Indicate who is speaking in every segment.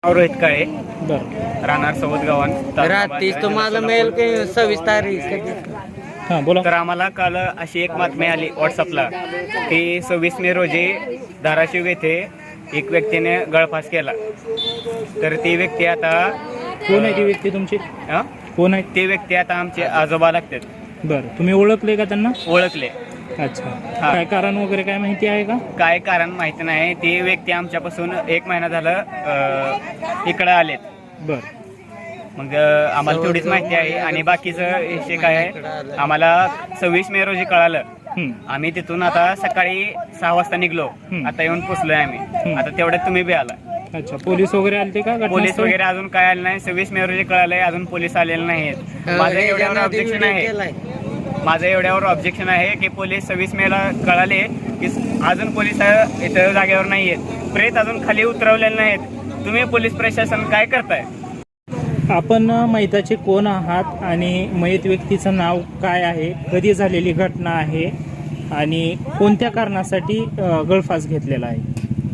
Speaker 1: रोहित काळे,
Speaker 2: बरं.
Speaker 1: राहणार सवत गावान.
Speaker 3: रात्रीच तुम्हाला मिळेल की 26 तारीख?
Speaker 2: हां बोला.
Speaker 1: तर आम्हाला काल अशी एक बातमी आली व्हॉट्सअपला की 26 मे रोजी धाराशिव येथे एक व्यक्तीने गळफास केला. तर ती व्यक्ती आता
Speaker 2: कोण आहे ती व्यक्ती तुमची?
Speaker 1: हं?
Speaker 2: कोण आहे?
Speaker 1: ती व्यक्ती आता आमचे आजोबा लागतात.
Speaker 2: बरं, तुम्ही ओळखले का त्यांना?
Speaker 1: ओळखले.
Speaker 2: अच्छा,
Speaker 1: हा.
Speaker 2: काय कारण वगैरे काय माहिती आहे का?
Speaker 1: काय कारण माहिती नाही. ती व्यक्ती आमच्यापासून 1 महिना झालं इकडं आलेत.
Speaker 2: बरं.
Speaker 1: मग आम्हाला तेवढीच माहिती आहे. आणि बाकीचं विषय काय आहे, आम्हाला 26 मे रोजी कळालं. आम्ही तिथून आता सकाळी 6 वाजता निघलो. आता येऊन पोचलोय आम्ही. आता तेवढ्यात तुम्ही बी आला.
Speaker 2: अच्छा, पोलीस वगैरे आलते का?
Speaker 1: पोलीस वगैरे अजून काय आले नाही. 26 मे रोजी कळालंय, अजून पोलीस आलेले नाहीत. माझं एवढ्यावर ऑब्जेक्शन आहे की पोलीस 26 मेला कळाले की अजून पोलीस इथं जागेवर नाहीयेत. प्रेत अजून खाली उतरवलेले नाहीत. तुम्ही पोलीस प्रशासन काय करताय?
Speaker 2: आपण मैताचे कोण आहात आणि मयत व्यक्तीचं नाव काय आहे, कधी झालेली घटना आहे आणि कोणत्या कारणासाठी गळफास घेतलेला आहे?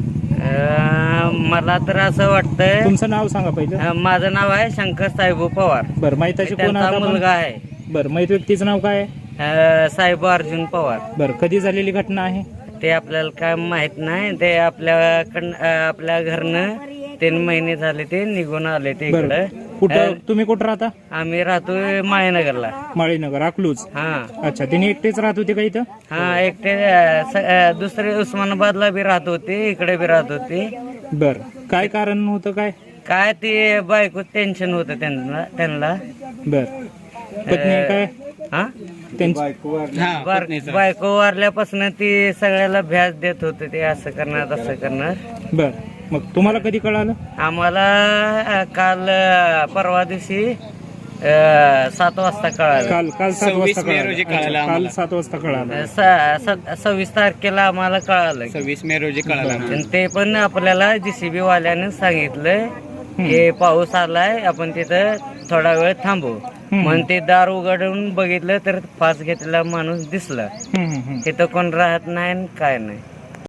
Speaker 3: मला तर असं वाटतंय.
Speaker 2: तुमचं नाव सांगा पहिलं.
Speaker 3: माझं नाव आहे शंकर साहेब पवार.
Speaker 2: बरं, मैताचे कोण आहात?
Speaker 3: मुलगा आहे.
Speaker 2: बरं, मयत व्यक्तीचं नाव काय आहे?
Speaker 3: साहेब अर्जुन पवार.
Speaker 2: बरं, कधी झालेली घटना आहे?
Speaker 3: ते आपल्याला काय माहित नाही. ते आपल्या घरनं 3 महिने झाले ते निघून आले ते इकडे.
Speaker 2: कुठं तुम्ही कुठं राहता?
Speaker 3: आम्ही राहतोय माळीनगरला.
Speaker 2: माळीनगर, अकलूज.
Speaker 3: हा.
Speaker 2: अच्छा, तिने एकटेच राहत होते का इथं?
Speaker 3: हा, एकटे. दुसरे उस्मानाबादला बी राहत होते, इकडे बी राहत होते.
Speaker 2: बरं, काय कारण होतं?
Speaker 3: काय ते बायको टेन्शन होतं त्यांना.
Speaker 2: बरं, पत्नी काय?
Speaker 3: हा,
Speaker 2: त्यांची
Speaker 3: बायको वारल्यापासून ती सगळ्याला भ्यास देत होते. ते असं करणार तसं करणार.
Speaker 2: बरं, मग तुम्हाला कधी कळालं?
Speaker 3: आम्हाला काल परवा दिवशी 7 वाजता कळालं.
Speaker 2: काल 7 वाजता
Speaker 1: 26 मे रोजी कळालं
Speaker 2: काल
Speaker 1: आम्हाला.
Speaker 2: 7 वाजता कळालं.
Speaker 3: 26 तारखेला आम्हाला कळालं.
Speaker 1: 26 मे रोजी कळालं.
Speaker 3: आणि ते पण आपल्याला JCB वाल्यानं सांगितलं की पाऊस आलाय, आपण तिथं थोडा वेळ थांबू. म्हणून ते दार उघडून बघितलं तर फास घेतलेला माणूस दिसला. तिथं कोण राहत नाही काय नाही.